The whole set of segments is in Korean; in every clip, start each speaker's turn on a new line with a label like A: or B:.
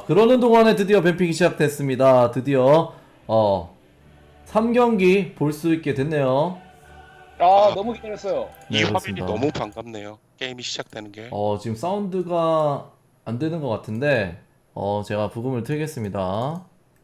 A: 그러는 동안에 드디어 뱀픽이 시작됐습니다. 드디어 3경기 볼 수 있게 됐네요.
B: 아,
C: 아,
B: 너무 기다렸어요.
C: 이
A: 네,
C: 화면이
A: 그렇습니다.
C: 너무 반갑네요. 게임이 시작되는 게.
A: 지금 사운드가 안 되는 것 같은데 제가 부금을 틀겠습니다.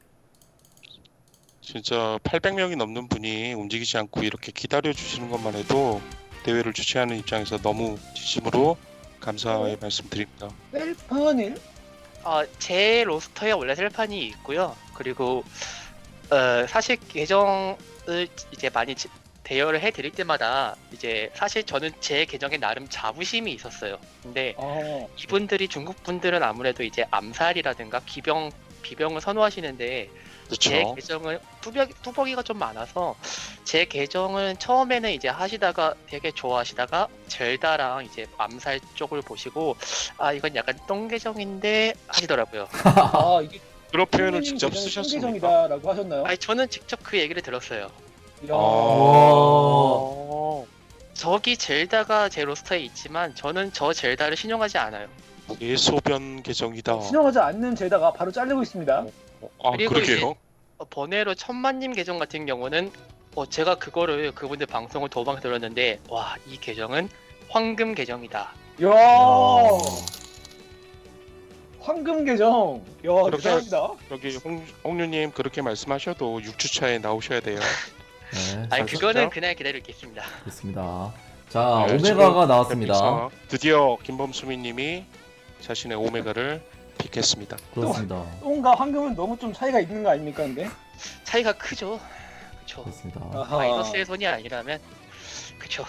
C: 진짜 800명이 넘는 분이 움직이지 않고 이렇게 기다려 주시는 것만 해도 대회를 주최하는 입장에서 너무 진심으로 감사의 말씀드립니다.
B: 셀파닐?
D: 제 로스터에 원래 셀판이 있고요. 그리고 사실 계정을 이제 많이 대여를 해드릴 때마다 이제 사실 저는 제 계정에 나름 자부심이 있었어요. 근데
B: 아,
D: 이분들이 중국 분들은 아무래도 이제 암살이라든가 비병을 선호하시는데 제
C: 그렇죠.
D: 계정은 뚜벅이가 좀 많아서 제 계정은 처음에는 이제 하시다가 되게 좋아하시다가 젤다랑 이제 암살 쪽을 보시고 아 이건 약간 똥 계정인데 하시더라고요.
B: 이게
C: 그런 표현을
B: 선생님
C: 직접
B: 계정이
C: 쓰셨습니까?
B: 신계정이다라고 하셨나요?
D: 아니 저는 직접 그 얘기를 들었어요.
B: 이야,
A: 와.
D: 저기 젤다가 제 로스터에 있지만 저는 저 젤다를 신용하지 않아요.
C: 예소변 계정이다.
B: 신용하지 않는 제다가 바로 잘리고 있습니다.
D: 그리고
C: 그러게요.
D: 번외로 천만님 계정 같은 경우는 제가 그거를 그분들 방송을 도방 들었는데 와 이 계정은 황금 계정이다.
B: 이야,
A: 와.
B: 황금 계정. 이야,
C: 그렇게-
B: 대단합니다.
C: 여기 홍류님 그렇게 말씀하셔도 6주차에 나오셔야 돼요.
A: 네,
D: 아니
C: 잘
D: 그거는
C: 썼죠?
D: 그날 기다리겠습니다.
A: 좋습니다. 자,
C: 네,
A: 오메가가
C: 지금
A: 나왔습니다.
C: 뱀픽사 드디어 김범수미님이 자신의 오메가를 픽했습니다.
A: 그렇습니다.
B: 똥과 황금은 너무 좀 차이가 있는 거 아닙니까, 근데?
D: 차이가 크죠. 그쵸.
A: 그렇습니다.
B: 아하.
D: 마이너스의 손이 아니라면 그쵸.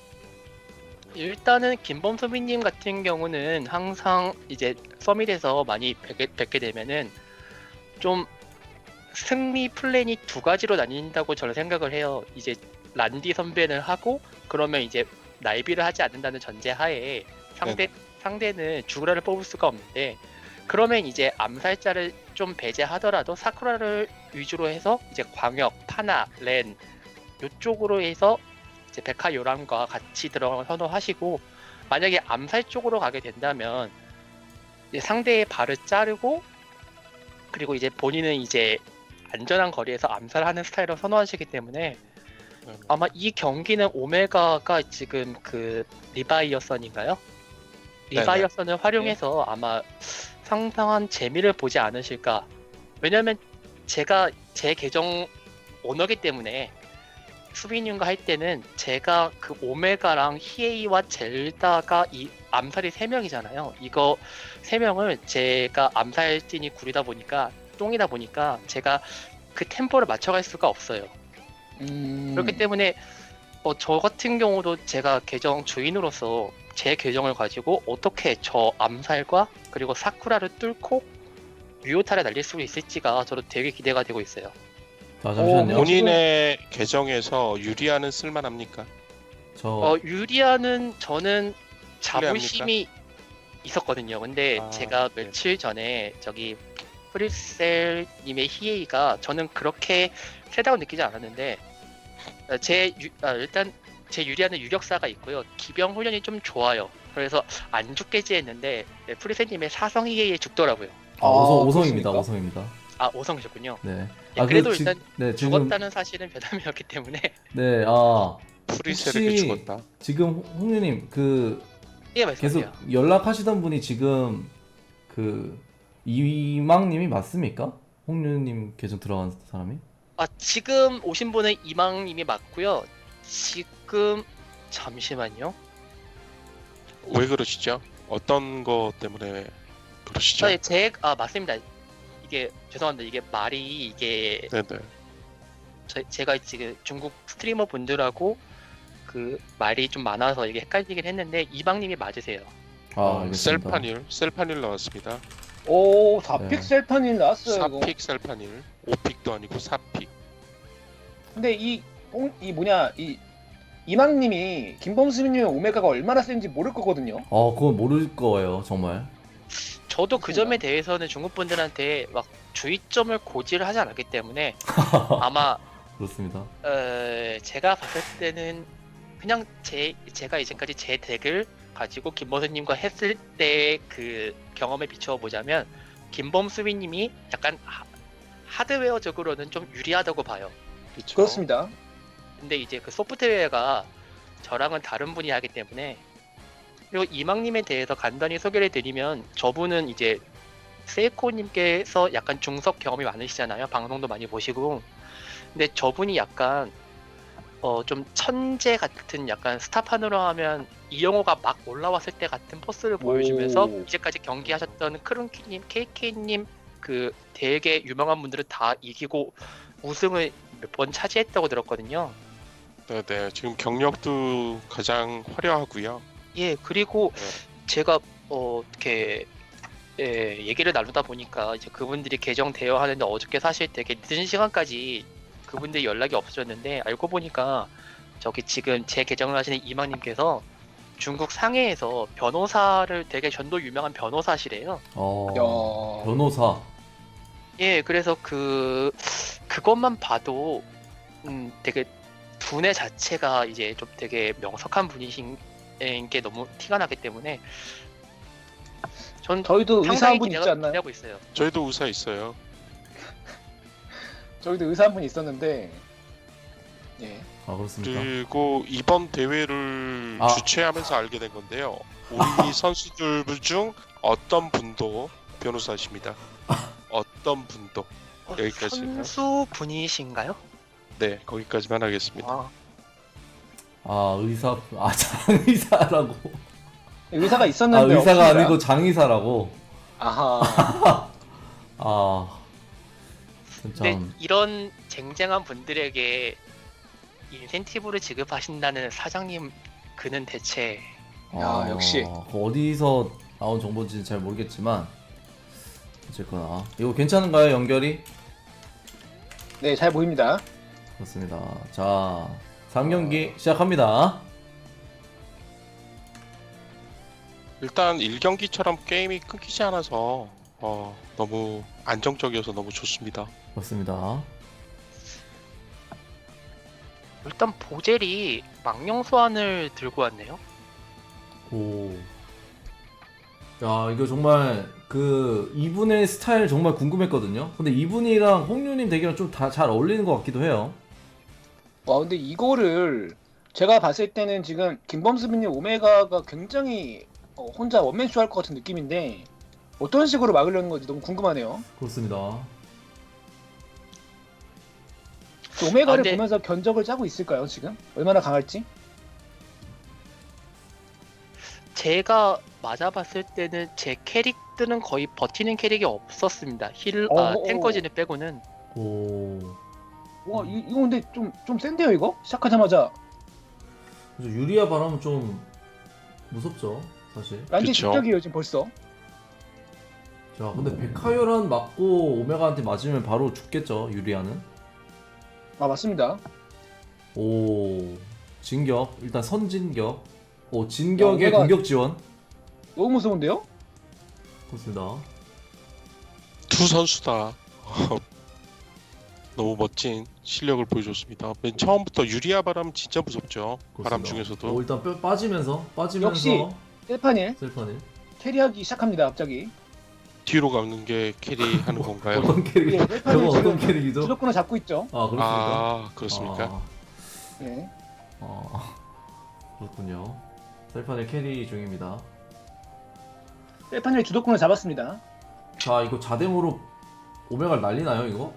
D: 일단은 김범수미님 같은 경우는 항상 이제 서밋에서 많이 뵙게 되면은 좀 승리 플랜이 두 가지로 나뉜다고 저는 생각을 해요. 이제 란디 선배를 하고 그러면 이제 날비를 하지 않는다는 전제하에 상대는 주구라를 뽑을 수가 없는데 그러면 이제 암살자를 좀 배제하더라도 사쿠라를 위주로 해서 이제 광역, 파나, 렌 요쪽으로 해서 이제 백화 요람과 같이 들어가는 선호하시고 만약에 암살 쪽으로 가게 된다면 이제 상대의 발을 자르고 그리고 이제 본인은 이제 안전한 거리에서 암살하는 스타일을 선호하시기 때문에 아마 이 경기는 오메가가 지금 그 리바이어선인가요? 리바이어선을 활용해서 아마 상당한 재미를 보지 않으실까. 왜냐면 제가 제 계정 오너기 때문에 수빈님과 할 때는 제가 그 오메가랑 히에이와 젤다가 이 암살이 3명이잖아요. 이거 3명을 제가 암살진이 구리다 보니까 똥이다 보니까 제가 그 템포를 맞춰갈 수가 없어요. 그렇기 때문에 저 같은 경우도 제가 계정 주인으로서 제 계정을 가지고 어떻게 저 암살과 그리고 사쿠라를 뚫고 유효타를 날릴 수 있을지가 저도 되게 기대가 되고 있어요.
A: 자, 잠시만요.
C: 본인의 계정에서 유리아는 쓸만합니까?
D: 유리아는 저는 자부심이 있었거든요. 근데 제가
C: 네.
D: 며칠 전에 저기 프리셀님의 히에이가 저는 그렇게 세다고 느끼지 않았는데 일단 제 유리아는 유력사가 있고요. 기병 훈련이 좀 좋아요. 그래서 안 죽겠지 했는데 프리셀님의 사성 히에이에 죽더라고요.
A: 오성입니다.
B: 그렇습니까?
A: 오성입니다.
D: 아 오성이셨군요.
A: 네.
D: 그래도
A: 그
D: 일단
A: 네, 지금
D: 죽었다는 사실은 변함이었기 때문에
A: 네,
C: 프리셀에게
A: 혹시
C: 죽었다.
A: 지금 홍유님 그
D: 예
A: 계속
D: 말씀하세요.
A: 연락하시던 분이 지금 그 이망님이 맞습니까? 홍유님 계정 들어간 사람이?
D: 지금 오신 분은 이망님이 맞고요. 지금 잠시만요.
C: 왜 그러시죠? 어떤 것 때문에 그러시죠?
D: 맞습니다. 이게 죄송합니다. 이게 말이 이게
C: 네네.
D: 제가 지금 중국 스트리머 분들하고 그 말이 좀 많아서 이게 헷갈리긴 했는데 이방님이 맞으세요.
A: 알겠습니다.
C: 셀파닐 나왔습니다.
B: 오, 4픽
A: 네.
B: 셀파닐 나왔어요, 이거.
C: 4픽 셀파닐, 5픽도 아니고 4픽.
B: 근데 이망님이 김범수님 오메가가 얼마나 센지 모를 거거든요.
A: 그건 모를 거예요, 정말.
D: 저도 그 점에 대해서는 중국 분들한테 막 주의점을 고지를 하지 않았기 때문에 아마
A: 그렇습니다.
D: 제가 봤을 때는 그냥 제가 이제까지 제 덱을 가지고 김범수님과 했을 때 그 경험에 비추어 보자면 김범수비님이 약간 하드웨어적으로는 좀 유리하다고 봐요.
C: 그렇죠.
B: 그렇습니다.
D: 근데 이제 그 소프트웨어가 저랑은 다른 분이 하기 때문에, 그리고 이망님에 대해서 간단히 소개를 드리면, 저분은 이제 세이코님께서 약간 중석 경험이 많으시잖아요. 방송도 많이 보시고. 근데 저분이 약간 좀 천재 같은, 약간 스타판으로 하면 이영호가 막 올라왔을 때 같은 포스를 보여주면서
B: 오.
D: 이제까지 경기하셨던 크룬키님, KK님 그 되게 유명한 분들은 다 이기고 우승을 몇 번 차지했다고 들었거든요.
C: 네네. 지금 경력도 가장 화려하고요.
D: 예, 그리고
C: 네.
D: 제가 이렇게 얘기를 나누다 보니까 이제 그분들이 계정 대여하는데 어저께 사실 되게 늦은 시간까지 그분들이 연락이 없어졌는데, 알고 보니까 저기 지금 제 계정을 하시는 이망님께서 중국 상해에서 변호사를, 되게 전도 유명한 변호사시래요.
B: 야.
A: 변호사.
D: 예, 그래서 그것만 봐도 되게 두뇌 자체가 이제 좀 되게 명석한 분이신 게 너무 티가 나기 때문에 전
B: 저희도 의사
D: 상당히
B: 한 분 있지 않나요?
D: 기대하고 있어요.
C: 저희도 의사 있어요.
B: 저희도 의사 한 분 있었는데, 예.
A: 아 그렇습니까?
C: 그리고 이번 대회를
A: 아.
C: 주최하면서 알게 된 건데요. 우리 선수들 중 어떤 분도 변호사십니다. 어떤 분도. 여기까지.
D: 선수 분이신가요?
C: 네, 거기까지만 하겠습니다.
D: 아,
A: 아 의사 장의사라고.
B: 의사가
A: 아
B: 있었는데
A: 의사가
B: 없습니다.
A: 아니고 장의사라고.
B: 아하.
A: 아
D: 근데
A: 참.
D: 이런 쟁쟁한 분들에게 인센티브를 지급하신다는 사장님, 그는 대체
B: 야, 역시.
A: 그 어디서 나온 정보인지는 잘 모르겠지만 어쨌거나 이거 괜찮은가요 연결이?
B: 네, 잘 보입니다.
A: 그렇습니다. 자 3경기 시작합니다.
C: 일단 1경기처럼 게임이 끊기지 않아서 너무 안정적이어서 너무 좋습니다.
A: 그렇습니다.
D: 일단 보젤이 망령 소환을 들고 왔네요.
A: 오. 야 이거 정말 그 이분의 스타일 정말 궁금했거든요. 근데 이분이랑 홍유님 대결은 좀 다 잘 어울리는 것 같기도 해요.
B: 와, 근데 이거를 제가 봤을 때는 지금 김범수빈님 오메가가 굉장히 혼자 원맨쇼 할 것 같은 느낌인데, 어떤 식으로 막으려는 건지 너무 궁금하네요.
A: 그렇습니다.
B: 오메가를
D: 근데-
B: 보면서 견적을 짜고 있을까요, 지금? 얼마나 강할지?
D: 제가 맞아봤을 때는 제 캐릭들은 거의 버티는 캐릭이 없었습니다. 탱커진을 빼고는.
A: 오.
B: 와, 이거 근데 좀 센데요, 이거? 시작하자마자.
A: 그래서 유리아 바람은 좀 무섭죠, 사실.
B: 완전
C: 그쵸.
B: 직격이에요, 지금 벌써.
A: 자, 근데 백화요란 맞고 오메가한테 맞으면 바로 죽겠죠, 유리아는.
B: 아, 맞습니다.
A: 오. 진격. 일단 선진격. 오, 진격의
B: 오메가-
A: 공격 지원.
B: 너무 무서운데요?
A: 그렇습니다.
C: 두 선수 다 너무 멋진 실력을 보여줬습니다. 맨 처음부터 유리아 바람 진짜 무섭죠. 바람
A: 그렇습니다.
C: 중에서도.
A: 오, 일단 빠지면서
B: 역시. 셀파닐
A: 셀파닐.
B: 캐리하기 시작합니다, 갑자기.
C: 뒤로 가는 게 캐리하는 건가요?
A: 어떤 캐릭?
B: 예,
A: 저거
B: 셀파닐
A: 어떤
B: 지금
A: 캐릭이죠?
B: 주도권을 잡고 있죠.
A: 아, 그렇습니까?
C: 아, 그렇습니까?
A: 아,
B: 네.
A: 그렇군요. 셀파닐 캐리 중입니다.
B: 셀파닐이 주도권을 잡았습니다.
A: 자, 이거 자댕으로 오메가를 날리나요, 이거?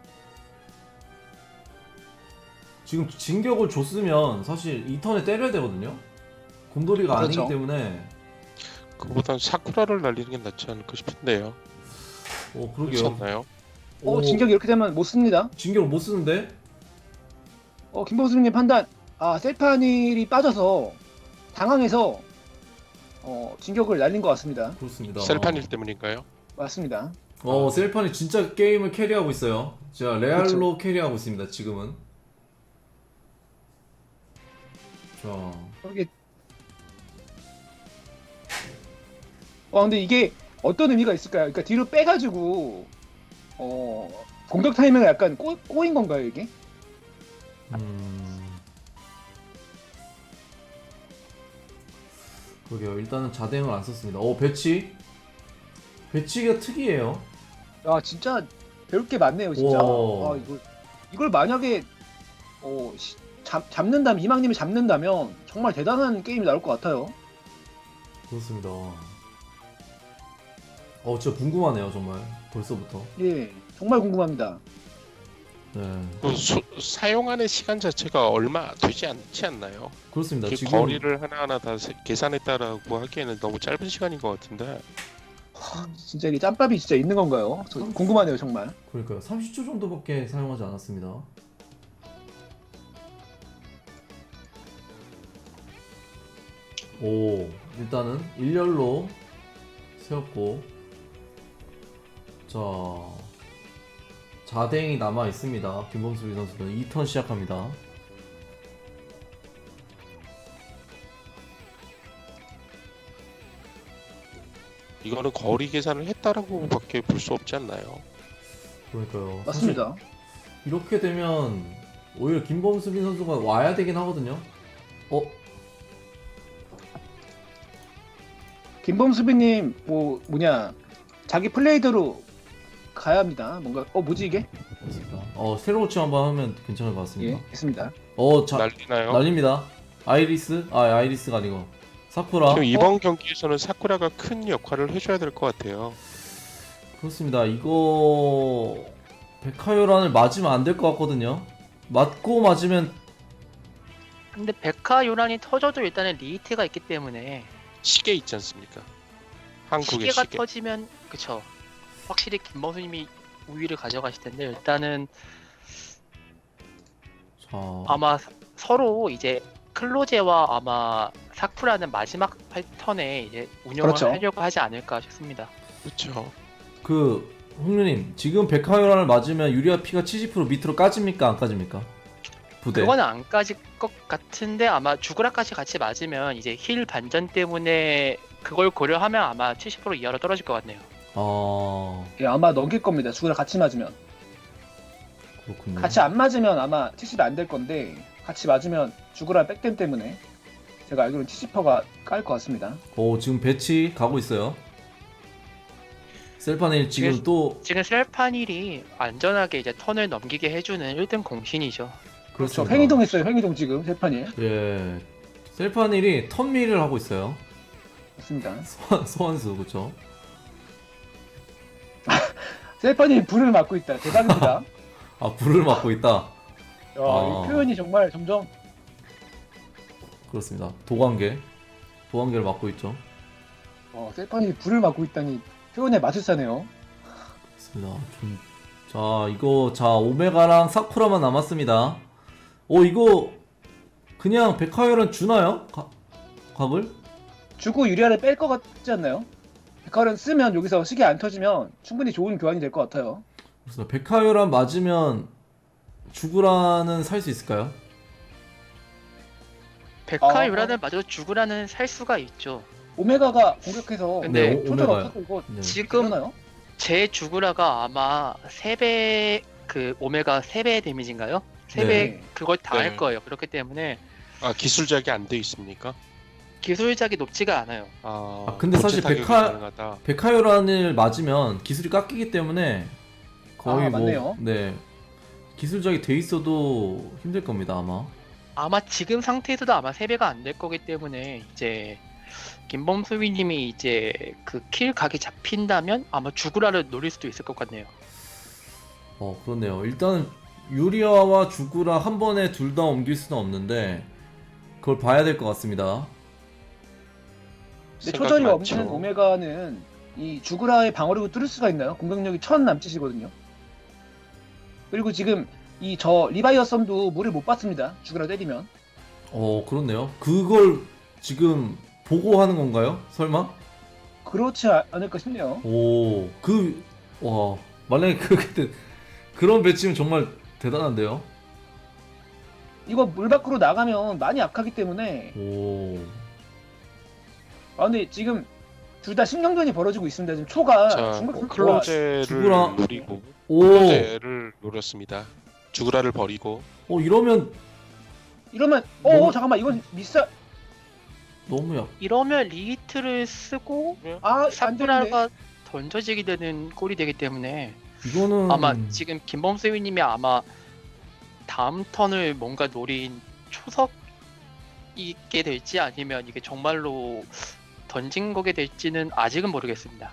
A: 지금 진격을 줬으면 사실 이 턴에 때려야 되거든요. 곰돌이가
B: 그렇죠.
A: 아니기 때문에.
C: 그보단 사쿠라를 날리는 게 낫지 않을까 싶은데요.
A: 그러게요.
C: 그렇지 않나요?
B: 진격이 이렇게 되면 못 씁니다.
A: 진격을 못 쓰는데?
B: 김범수님 판단. 아, 셀파닐이 빠져서 당황해서 진격을 날린 것 같습니다.
A: 그렇습니다.
C: 셀판일 때문인가요?
B: 맞습니다.
A: 셀판이 진짜 게임을 캐리하고 있어요. 제가 레알로 캐리하고 있습니다, 지금은. 자,
B: 이게 근데 이게 어떤 의미가 있을까요? 그러니까 뒤로 빼가지고 공격 타이밍을 약간 꼬인 건가요, 이게?
A: 그러게요. 일단은 자댕을 안 썼습니다. 배치가 특이해요.
B: 야 진짜 배울 게 많네요 진짜.
A: 와.
B: 와 이걸 만약에 잡는다면 희망님이 잡는다면 정말 대단한 게임이 나올 것 같아요.
A: 그렇습니다. 진짜 궁금하네요 정말 벌써부터.
B: 예 정말 궁금합니다.
A: 네,
C: 사용하는 시간 자체가 얼마 되지 않지 않나요?
A: 그렇습니다.
C: 그
A: 지금
C: 거리를 하나하나 다 계산했다라고 하기에는 너무 짧은 시간인 것 같은데.
B: 진짜 이게 짬밥이 진짜 있는 건가요? 저 궁금하네요 정말.
A: 그러니까요. 30초 정도밖에 사용하지 않았습니다. 오, 일단은 일렬로 세웠고, 자, 자댕이 남아 있습니다. 김범수 선수는 2턴 시작합니다.
C: 이거는 거리 계산을 했다라고밖에 볼 수 없지 않나요?
A: 그러니까요.
B: 맞습니다.
A: 사실 이렇게 되면 오히려 김범수빈 선수가 와야 되긴 하거든요.
B: 김범수비님 자기 플레이대로 가야 합니다. 뭔가 뭐지 이게?
A: 맞습니다. 새로 고치 한번 하면 괜찮을 것 같습니다.
B: 예 했습니다.
C: 난리나요?
A: 날립니다. 아이리스가 아니고 사쿠라.
C: 지금 이번 경기에서는 사쿠라가 큰 역할을 해줘야 될 것 같아요.
A: 그렇습니다. 이거 백화요란을 맞으면 안 될 것 같거든요. 맞고 맞으면
D: 근데 백화 요란이 터져도 일단은 리히트가 있기 때문에
C: 시계 있지 않습니까? 한국의
D: 시계가
C: 시계.
D: 터지면 그쵸. 확실히 김범수님이 우위를 가져가실 텐데 일단은
A: 자,
D: 아마 서로 이제 클로제와 아마 사쿠라는 마지막 턴에 이제 운영을
B: 그렇죠.
D: 하려고 하지 않을까 싶습니다.
C: 그렇죠.
A: 홍류님 지금 백화요란을 맞으면 유리아 피가 70% 밑으로 까집니까 안 까집니까? 부대.
D: 그거는 안 까질 것 같은데 아마 주그라까지 같이 맞으면 이제 힐 반전 때문에 그걸 고려하면 아마 70% 이하로 떨어질 것 같네요.
B: 예 아마 넘길 겁니다. 죽으라 같이 맞으면.
A: 그렇군요.
B: 같이 안 맞으면 아마 70이 안 될 건데 같이 맞으면 죽으라 백댐 때문에 제가 알기로는 70%가 깔 것 같습니다.
A: 지금 배치 가고 있어요. 셀파네일 지금 또
D: 지금 셀파닐이 안전하게 이제 턴을 넘기게 해주는 1등 공신이죠.
B: 그렇죠.
A: 그렇습니다.
B: 횡이동 했어요. 횡이동 지금 세판이.
A: 예, 셀파닐이 턴밀을 하고 있어요.
B: 맞습니다.
A: 소환수 그렇죠.
B: 셀판이 불을 맞고 있다. 대박입니다.
A: 불을 맞고 있다.
B: 이 표현이 정말 점점
A: 그렇습니다. 도관계를 맡고 있죠.
B: 셀판이 불을 맞고 있다니 표현에 마술사네요.
A: 그렇습니다. 오메가랑 사쿠라만 남았습니다. 이거 그냥 백화열은 주나요? 각을?
B: 주고 유리아를 뺄 것 같지 않나요? 백화를 쓰면 여기서 시계 안 터지면 충분히 좋은 교환이 될 것 같아요.
A: 그렇습니다. 백화열한 맞으면 주구라는 살 수 있을까요?
D: 백화 요란을 맞아도 죽으라는 살 수가 있죠.
B: 오메가가 공격해서
D: 근데
B: 초절
A: 오메가.
B: 없고 이거
A: 네.
D: 지금
B: 되나요?
D: 제 주구라가 아마 3배 그 오메가 3배 데미지인가요? 3배
B: 네.
D: 그걸 다 할
C: 네.
D: 거예요. 그렇기 때문에
C: 기술작이 안 돼 있습니까?
D: 기술작이 높지가 않아요.
A: 근데 사실
C: 본체 타격이
A: 백화-
C: 가능하다.
A: 백화열한을 맞으면 기술이 깎이기 때문에 거의
B: 맞네요.
A: 기술작이 돼 있어도 힘들 겁니다 아마.
D: 아마 지금 상태에서도 아마 3배가 안 될 거기 때문에 이제 김범수비님이 이제 그 킬 각이 잡힌다면 아마 주구라를 노릴 수도 있을 것 같네요.
A: 그렇네요. 일단 유리아와 주구라 한 번에 둘 다 옮길 수는 없는데 그걸 봐야 될 것 같습니다.
B: 근데
C: 생각이
B: 초절이
C: 많죠.
B: 없는 오메가는 이 주구라의 방어력을 뚫을 수가 있나요? 공격력이 1000 남짓이거든요. 그리고 지금 저 리바이어 썸도 물을 못 받습니다. 주구라 때리면.
A: 그렇네요. 그걸 지금 보고 하는 건가요? 설마?
B: 그렇지 않을까 싶네요.
A: 만약에 그런 배치면 정말 대단한데요?
B: 이거 물 밖으로 나가면 많이 약하기 때문에 근데 지금 둘 다 신경전이 벌어지고 있습니다. 지금 초가
C: 자,
B: 중국 선수가
C: 클로제를
A: 주구라.
C: 노리고 클로제를 노렸습니다. 주구라를 버리고
A: 이러면
B: 이러면 잠깐만 이건 미사
A: 너무 약.
D: 이러면 리히트를 쓰고
B: 안 되는데.
D: 사쿠라가 던져지게 되는 꼴이 되기 때문에
A: 이거는
D: 아마 지금 김범수님이 아마 다음 턴을 뭔가 노린 초석 있게 될지 아니면 이게 정말로 던진 거게 될지는 아직은 모르겠습니다.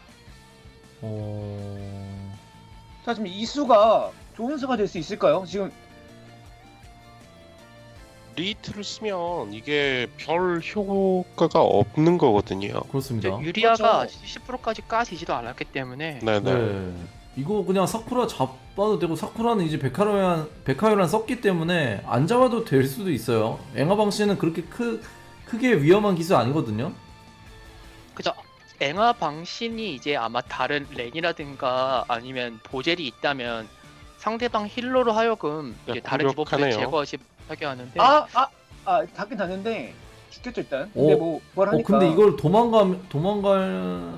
B: 자, 지금 이 수가 좋은 수가 될 수 있을까요? 지금
C: 리히트를 쓰면 이게 별 효과가 없는 거거든요.
A: 그렇습니다.
D: 유리아가
B: 그렇죠.
D: 10%까지 까지지도 않았기 때문에
C: 네네.
A: 네. 이거 그냥 사쿠라 잡아도 되고 사쿠라는 이제 백화요란 썼기 때문에 안 잡아도 될 수도 있어요. 앵화방 씨는 그렇게 크게 위험한 기술 아니거든요.
D: 그죠. 앵아 방신이 이제 아마 다른 렌이라든가 아니면 보젤이 있다면 상대방 힐러로 하여금
C: 야,
D: 이제 다른 디버프를
C: 무력하네요.
D: 제거하게 하는데
B: 닿긴 닿는데 죽겠죠 일단. 근데 뭐 뭘 하니까.
A: 근데 이걸 도망갈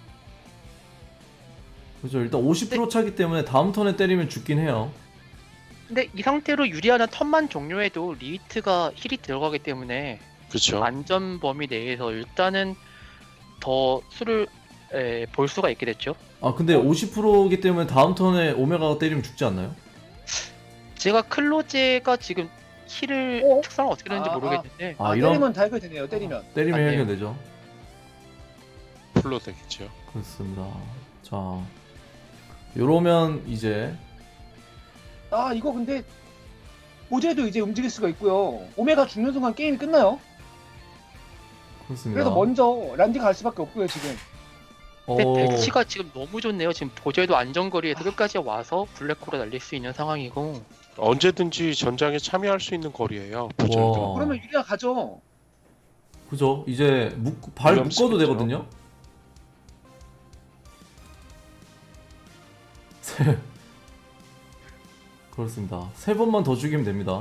A: 그죠. 일단 50% 차기 때문에 다음 턴에 때리면 죽긴 해요.
D: 근데 이 상태로 유리아는 턴만 종료해도 리히트가 힐이 들어가기 때문에
C: 그렇죠.
D: 안전 범위 내에서 일단은 더 수를 볼 수가 있게 됐죠.
A: 아 근데 50%이기 때문에 다음 턴에 오메가가 때리면 죽지 않나요?
D: 제가 클로제가 지금 힐을 특성을 어떻게 되는지 모르겠는데
B: 때리면 다 해결되네요. 때리면.
A: 때리면
D: 아니에요.
A: 해결되죠.
C: 풀로 되겠죠.
A: 그렇습니다. 자, 요러면 이제
B: 이거 근데 보젤도 이제 움직일 수가 있고요. 오메가 죽는 순간 게임이 끝나요.
A: 그렇습니다.
B: 그래서 먼저 란디가 갈 수밖에 없고요 지금.
D: 근데 배치가 지금 너무 좋네요. 지금 보젤도 안전거리에서 끝까지 와서 블랙홀을 날릴 수 있는 상황이고
C: 언제든지 전장에 참여할 수 있는 거리예요. 보절도.
A: 와.
B: 그러면 유리아 가죠.
A: 그죠? 이제 발
C: 위험스럽죠.
A: 묶어도 되거든요. 그렇습니다. 3번만 더 죽이면 됩니다.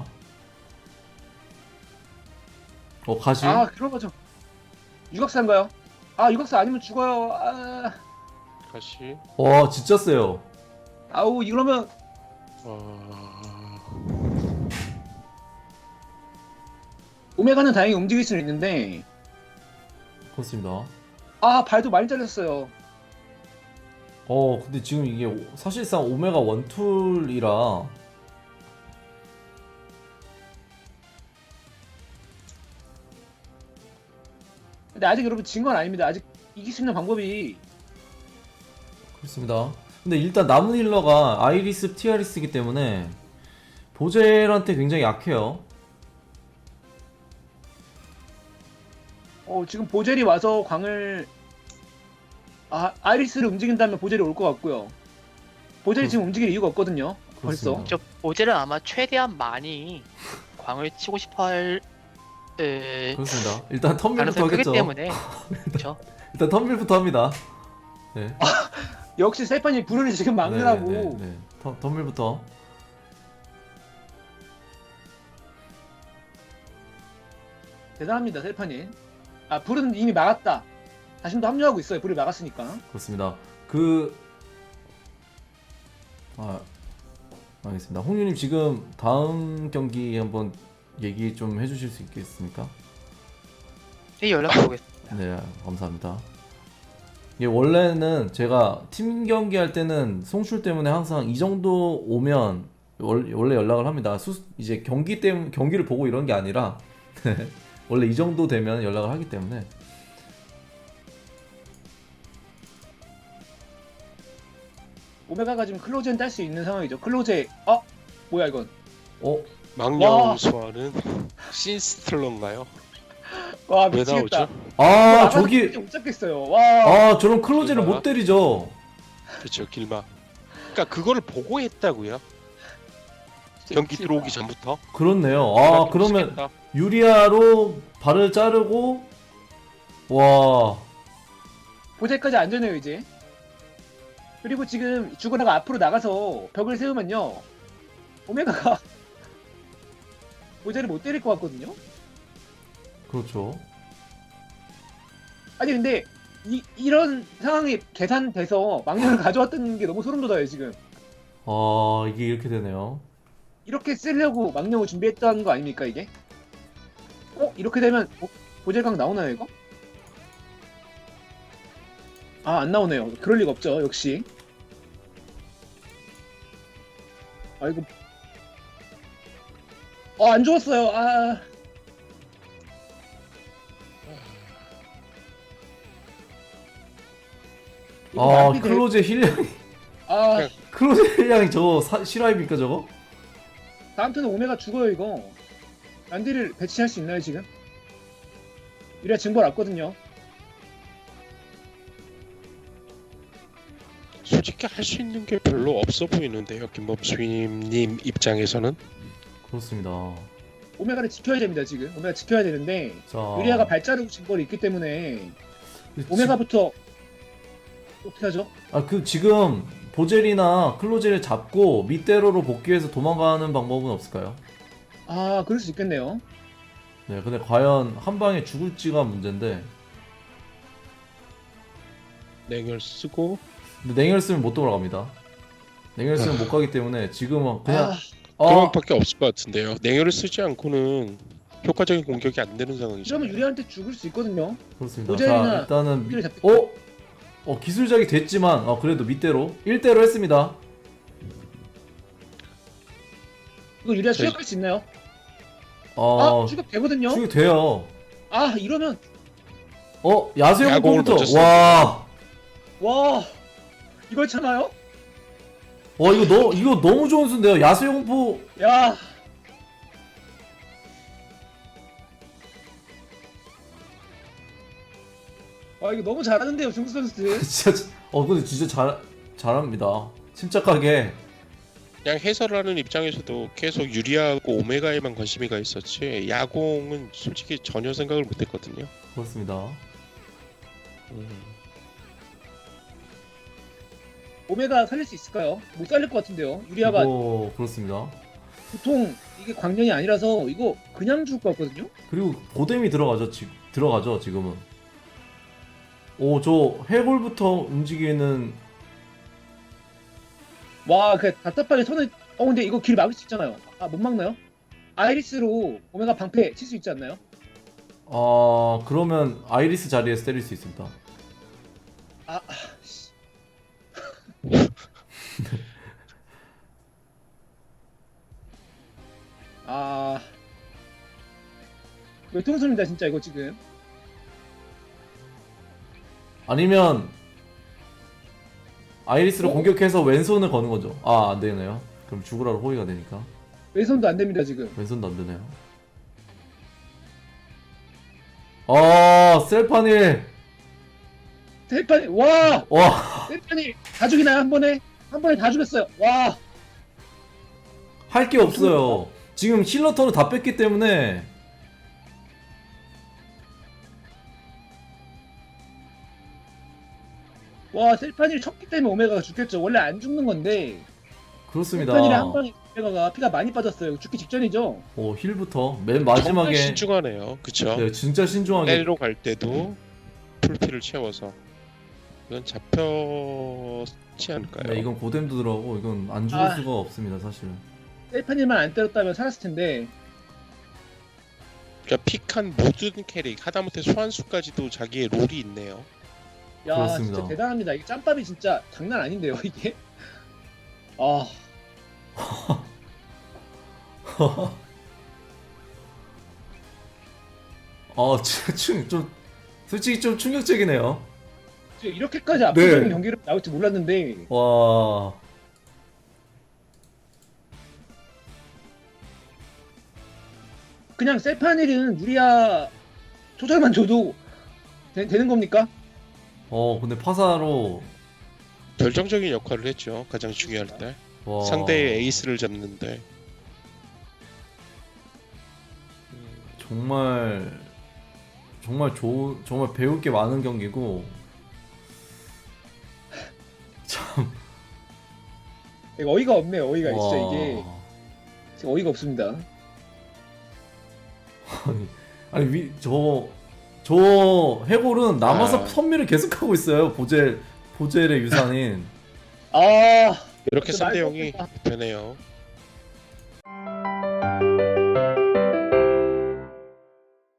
A: 가시.
B: 그런 거죠. 유각사인가요? 유각사 아니면 죽어요.
C: 다시.
A: 와, 진짜 세요.
B: 아우 이러면 오메가는 다행히 움직일 수는 있는데
A: 그렇습니다.
B: 발도 많이 잘렸어요.
A: 근데 지금 이게 사실상 오메가 원툴이라
B: 근데 아직 여러분 진 건 아닙니다. 아직 이길 수 있는 방법이
A: 그렇습니다. 근데 일단 남은 힐러가 아이리스, 티아리스이기 때문에 보젤한테 굉장히 약해요.
B: 지금 보젤이 와서 광을 아이리스를 움직인다면 보젤이 올 것 같고요. 보젤이 지금 움직일 이유가 없거든요. 벌써.
A: 그렇습니다.
D: 저 보젤은 아마 최대한 많이 광을 치고 싶어할
A: 그렇습니다. 일단 텀밀부터
D: 가능성이 크기
A: 하겠죠.
D: 때문에 그렇죠.
A: 일단 텀밀부터 합니다. 네.
B: 역시 세판이 불을 지금 막느라고.
A: 네. 텀밀부터.
B: 대단합니다, 셀파님. 불은 이미 막았다. 자신도 합류하고 있어요. 불을 막았으니까.
A: 그렇습니다. 알겠습니다. 홍유님 지금 다음 경기 한번 얘기 좀 해주실 수 있겠습니까?
D: 네, 연락해 보겠습니다.
A: 네, 감사합니다. 이게 원래는 제가 팀 경기 할 때는 송출 때문에 항상 이 정도 오면 원래 연락을 합니다. 이제 경기를 보고 이런 게 아니라 원래 이 정도 되면 연락을 하기 때문에.
B: 오메가가 지금 클로제는 딸 수 있는 상황이죠. 클로제. 뭐야 이건?
C: 망령 소환은 신스틀러인가요?
B: 와
C: 왜
B: 미치겠다.
C: 나오죠?
A: 저기
B: 못 잡겠어요. 와.
A: 저런 클로즈를 못 때리죠.
C: 그렇죠, 길막. 그러니까 그거를 보고 했다고요. 경기 들어오기 전부터.
A: 그렇네요.
C: 그러니까
A: 그러면
C: 미치겠다.
A: 유리아로 발을 자르고 와.
B: 보젤까지 안전해요 이제. 그리고 지금 주거나가 앞으로 나가서 벽을 세우면요. 오메가가 보젤을 못 때릴 것 같거든요.
A: 그렇죠.
B: 아니 근데 이런 상황이 계산돼서 망령을 가져왔다는 게 너무 소름 돋아요 지금.
A: 이게 이렇게 되네요.
B: 이렇게 쓰려고 망령을 준비했다는 거 아닙니까 이게? 이렇게 되면 보젤강 나오나요 이거? 아, 안 나오네요. 그럴 리가 없죠, 역시. 아이고. 안 좋았어요. 이거
A: 아
B: 낭비 될-
A: 클로제 힐량이
B: 아,
A: 클로제 힐량이 저거 실화입니까 저거?
B: 다음 턴에 오메가 죽어요, 이거. 란디를 배치할 수 있나요, 지금? 이래야 증벌 왔거든요.
C: 솔직히 할 수 있는 게 별로 없어 보이는데요. 김범수님 입장에서는.
A: 그렇습니다.
B: 오메가를 지켜야 됩니다, 지금. 오메가 지켜야 되는데,
A: 자
B: 유리아가 발자국 증벌이 있기 때문에, 오메가부터, 어떻게 하죠?
A: 그 지금 보젤이나 클로제를 잡고 밑대로로 복귀해서 도망가는 방법은 없을까요?
B: 그럴 수 있겠네요.
A: 네, 근데 과연 한 방에 죽을지가 문제인데.
C: 냉혈 쓰고
A: 근데 냉혈 쓰면 못 돌아갑니다. 냉혈 쓰면 못 가기 때문에 지금은 그냥
C: 그런밖에 없을 것 같은데요. 냉혈을 쓰지 않고는 효과적인 공격이 안 되는 상황이죠.
B: 이러면 유리아한테 죽을 수 있거든요.
A: 그렇습니다.
B: 보젤이나
A: 자, 일단은
B: 힐을 잡겠다.
A: 기술작이 됐지만 그래도 밑대로 1대로 했습니다.
B: 이거 유리아
C: 저-
B: 추격할 수 있나요? 추격 되거든요.
A: 추격 돼요.
B: 이러면
A: 야수의
C: 야공을
A: 공부터
C: 먼저
B: 와 이걸 참아요?
A: 이거 너무 좋은 수인데요. 야수의 공포
B: 야. 이거 너무 잘하는데요, 중수 선수들.
A: 진짜 근데 진짜 잘합니다. 침착하게.
C: 그냥 해설하는 입장에서도 계속 유리하고 오메가에만 관심이 가 있었지 야공은 솔직히 전혀 생각을 못했거든요.
A: 그렇습니다.
B: 오메가 살릴 수 있을까요? 못 살릴 것 같은데요. 유리아가
A: 그렇습니다.
B: 보통 이게 광년이 아니라서 이거 그냥 죽을 것 같거든요.
A: 그리고 고뎀이 들어가죠 지금은. 저 해골부터 움직이는.
B: 와, 그 답답하게 손을. 근데 이거 길 막을 수 있잖아요. 못 막나요? 아이리스로 오메가 방패 칠 수 있지 않나요?
A: 그러면 아이리스 자리에서 때릴 수 있습니다.
B: 씨. 외통수입니다 진짜 이거 지금.
A: 아니면 아이리스로 공격해서 왼손을 거는 거죠. 안 되네요. 그럼 죽으라로 호위가 되니까
B: 왼손도 안 됩니다 지금.
A: 왼손도 안 되네요. 셀파닐.
B: 셀파니 와
A: 와,
B: 셀파니 다 죽이나요 한 번에 다 죽였어요. 와.
A: 할 게 없어요. 지금 힐러 턴을 다 뺐기 때문에.
B: 와, 셀파니를 쳤기 때문에 오메가가 죽겠죠. 원래 안 죽는 건데
A: 그렇습니다.
B: 셀파니를 한 방에 오메가가 피가 많이 빠졌어요. 죽기 직전이죠.
A: 힐부터 맨
C: 정말
A: 마지막에.
C: 신중하네요. 그쵸?
A: 네, 진짜 신중하게.
C: 때리러 갈 때도 풀피를 채워서 이건 잡혔지 않을까요?
A: 네, 이건 고뎀도 들어가고 이건 안 죽을 수가 없습니다 사실.
B: 셀파니만 안 때렸다면 살았을 텐데.
C: 그러니까 픽한 모든 캐릭 하다못해 소환수까지도 자기의 롤이 있네요.
B: 야,
A: 그렇습니다.
B: 진짜 대단합니다. 이게 짬밥이 진짜 장난 아닌데요, 이게.
A: 좀 솔직히 좀 충격적이네요.
B: 이렇게까지 압도적인
A: 네.
B: 경기를 나올 줄 몰랐는데.
A: 와.
B: 그냥 셀파닐은 유리아 조절만 줘도 되는 겁니까?
A: 근데 파사로.
C: 결정적인 역할을 했죠. 가장 중요할 때
A: 와.
C: 상대의 에이스를 잡는데
A: 정말 정말 배울 게 많은 경기고. 참.
B: 이거 어이가 없네요. 어이가
A: 와.
B: 진짜 이게 진짜 어이가 없습니다.
A: 아니 저 해골은 남아서 선미를 계속하고 있어요. 보젤의 유산인.
C: 이렇게
B: 진짜
C: 3대
B: 말도
C: 0이
B: 없겠다.
C: 되네요.